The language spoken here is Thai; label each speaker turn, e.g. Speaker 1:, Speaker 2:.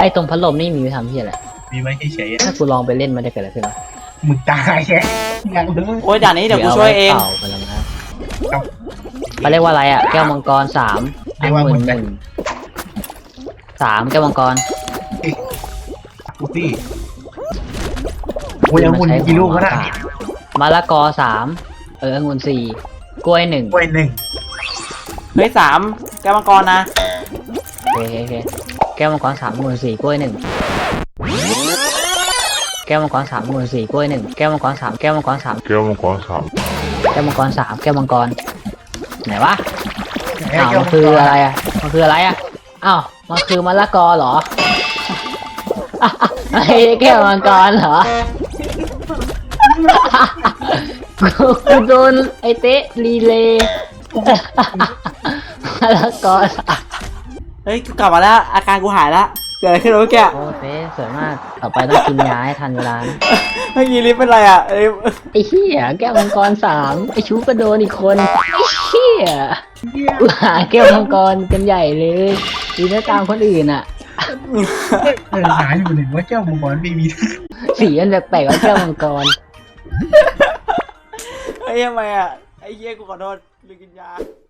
Speaker 1: อ้ตรงพัดลมนี่มีไว้ทำที่อะไร
Speaker 2: มีไว้เฉย
Speaker 1: ถ้ากูลองไปเล่นมันจะเกิดอะไรขึ้นวะ
Speaker 2: ๆมึงตายแค่ยังเลย
Speaker 3: โอ้ยด่านนี้เดี๋ยวกูช่วยเอง
Speaker 1: เป่าไปแล้วนะเขาเรียกว่าอะไรอ่ะแก้วมังกร3 แก้วมังกร
Speaker 2: กูสิกูยังมุนกี่ลูกก็ได้
Speaker 1: มะละกอ3องุ่น4กล้วย1
Speaker 2: กล้วย1
Speaker 3: เฮ้ยแก้วมังกรนะ
Speaker 1: โอเคแก้วมังกร3องุ่น4กล้วย1แก้วมังกร3องุ่น4กล้วย1แก้วมังกร3แก้วมังกร3แก้วมังกร3แก้วมังกร3แก้วมังกรไหนวะอ้าวมันคืออะไรอ่ะอ้าวมันคือมะละกอเหรอไอ้แก้วมังกรเหรอกูโดนไอ้เต๊ะรีเลย์มะละกอ
Speaker 3: เฮ้ยกูกลับมาแล้วอาการกูหายแล้วเกิดอะไรขึ้นวะเมื่อกี้
Speaker 1: โอ้เต๊ะสวยมากต่อไปต้องกินยาให้ทันเวลานะ
Speaker 3: เมื่อกี้ลิฟต์เป็นไรอ่ะเอ้ย
Speaker 1: ไอ้เหี้ยแก้วมังกร3ไอ้ชูก็โดนอีกคนไอ้เหี้ยหาแก้วมังกรกันใหญ่เลยดีนะตามคนอื่นอ่ะ
Speaker 2: หาอยู่หนึ่งว่าเจ้ามังกรไม่มี
Speaker 1: สีมันแปลกๆว่าแก้วมังกร
Speaker 3: ไอ้ยังไงอ่ะไอ้เหี้ยกูขอโทษลืมกินยา